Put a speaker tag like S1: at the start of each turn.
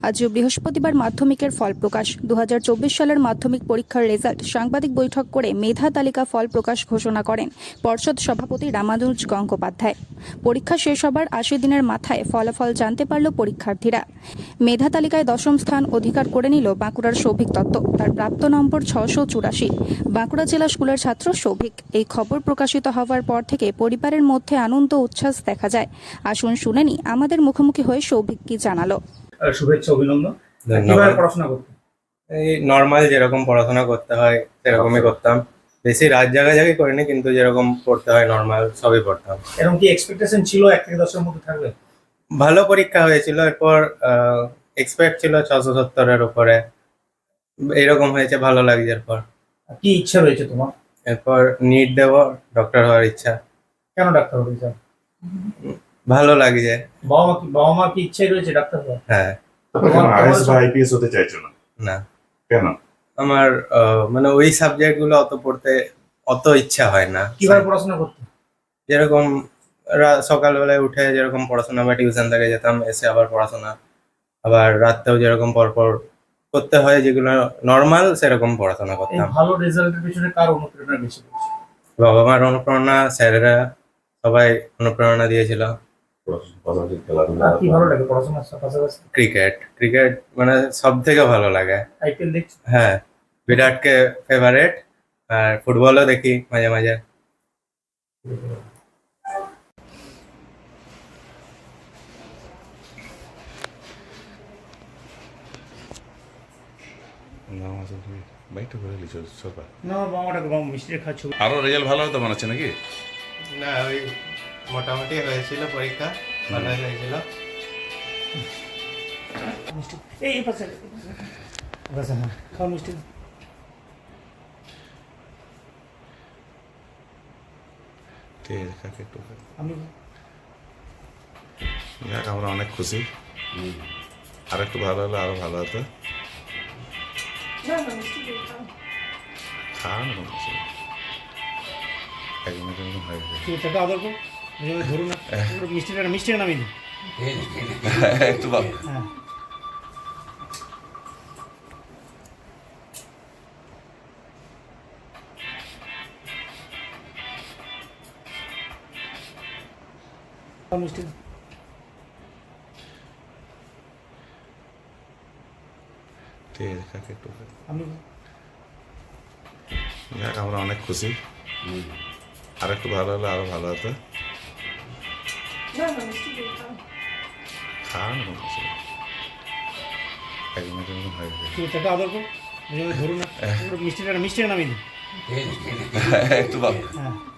S1: আজ বৃহস্পতিবার মাধ্যমিকের ফল প্রকাশ। 2024 সালের মাধ্যমিক পরীক্ষার রেজাল্ট সাংবাদিক বৈঠক করে মেধা তালিকা ফল প্রকাশ ঘোষণা করেন পর্ষদ সভাপতি রামানুজ গঙ্গোপাধ্যায়। পরীক্ষা শেষ হবার 80 দিনের মাথায় ফলাফল জানতে পারল পরীক্ষার্থীরা। মেধা তালিকায় 10ম স্থান অধিকার করে নিল বাঁকুড়ার সৌভিক দত্ত। তার প্রাপ্ত নম্বর 684। বাঁকুড়া জেলা স্কুলের ছাত্র সৌভিক। এই খবর প্রকাশিত হওয়ার পর থেকে পরিবারের মধ্যে আনন্দ উচ্ছ্বাস দেখা যায়। আসুন শুনে নি আমাদের মুখোমুখি হয়ে সৌভিক কি জানালো।
S2: শুভেচ্ছা, অভিনন্দন। কিভাবে পড়াশোনা করতে?
S3: এই নর্মাল যেরকম পড়াশোনা করতে হয় সেরকমই করতাম। বেশি রাত জাগাজাগি করিনি, কিন্তু যেরকম পড়তে হয় নর্মাল সবই পড়তাম।
S2: এরকম কি এক্সপেকটেশন ছিল 1 থেকে 10 এর মধ্যে থাকবে?
S3: ভালো পরীক্ষা হয়েছিল, এরপর এক্সপেক্ট ছিল 670-এর উপরে, এইরকম হয়েছে, ভালো লাগছে। এরপর
S2: কি ইচ্ছা রয়েছে তোমার?
S3: এরপর নিট দেব, ডক্টর হওয়ার ইচ্ছা।
S2: কেন ডাক্তার হতে চাও?
S3: ভালো লাগছে।
S2: বাবা মা কি ইচ্ছাই রয়েছে ডাক্তার হওয়ার?
S3: হ্যাঁ।
S4: আইএএস বা আইপিএস হতে চাইছো না?
S3: না,
S4: কেন?
S3: আমার মানে ওই সাবজেক্ট গুলো অত পড়তে অত ইচ্ছা হয় না।
S2: কিভাবে পড়াশোনা করতে?
S3: যেরকম সকালবেলায় উঠে যেরকম পড়াশোনা বা টিউশন থেকে যেতাম, এসে আবার পড়াশোনা, আবার রাততেও যেরকম পরপর করতে হয় যেগুলো নর্মাল, সেরকম পড়াশোনা
S2: এই
S3: করতাম।
S2: ভালো রেজাল্টের পেছনে কার অনুপ্রেরণা বেশি পেয়েছে?
S3: বাবা মার অনুপ্রেরণা, স্যারেরা সবাই অনুপ্রেরণা দিয়েছিল।
S4: পাশাপাশি খেলাধুলা
S2: আর কি ভালো লাগে পড়াশোনার পাশাপাশি?
S3: ক্রিকেট মানে সব থেকে ভালো লাগে।
S2: আইপিএল দেখছি।
S3: হ্যাঁ, বিরাটকে ফেভারিট। আর ফুটবলও দেখি মাঝে মাঝে।
S4: বাইকটা করে লিখো সরকার।
S2: না, বাবাটাকে মিষ্টি খাচ্ছ।
S4: আরো রেজাল্ট ভালো হতো মনে হচ্ছে নাকি?
S3: না, ওই মোটামুটি হয়েছিল, পরীক্ষা ভালো হয়েছিল।
S2: মিষ্টি এই পাশে পাশে হ্যাঁ, খাও মিষ্টি।
S4: ঠিক আছে, কাকে একটু
S2: আমি
S4: যাক, আমরা অনেক খুশি। আর একটু ভালো হলে আরো ভালো হতো। খাওয়ান একদম হয়ে গেছে।
S2: টাকা আদর করো, ধরুন না মিষ্টিটা নামিয়ে দিই।
S4: একটু ভালো।
S2: হ্যাঁ, মিষ্টি
S4: ঠিক আছে, কাকে একটু
S2: আমি
S4: যাক, আমরা অনেক খুশি। আর একটু ভালো হলে আরো ভালো হতো। খাওয়ান একদম হয়ে গেছে।
S2: টাকা আদর করো, ধরুন না মিষ্টিটা নামিয়ে দিই।
S4: একটু ভালো।
S2: হ্যাঁ।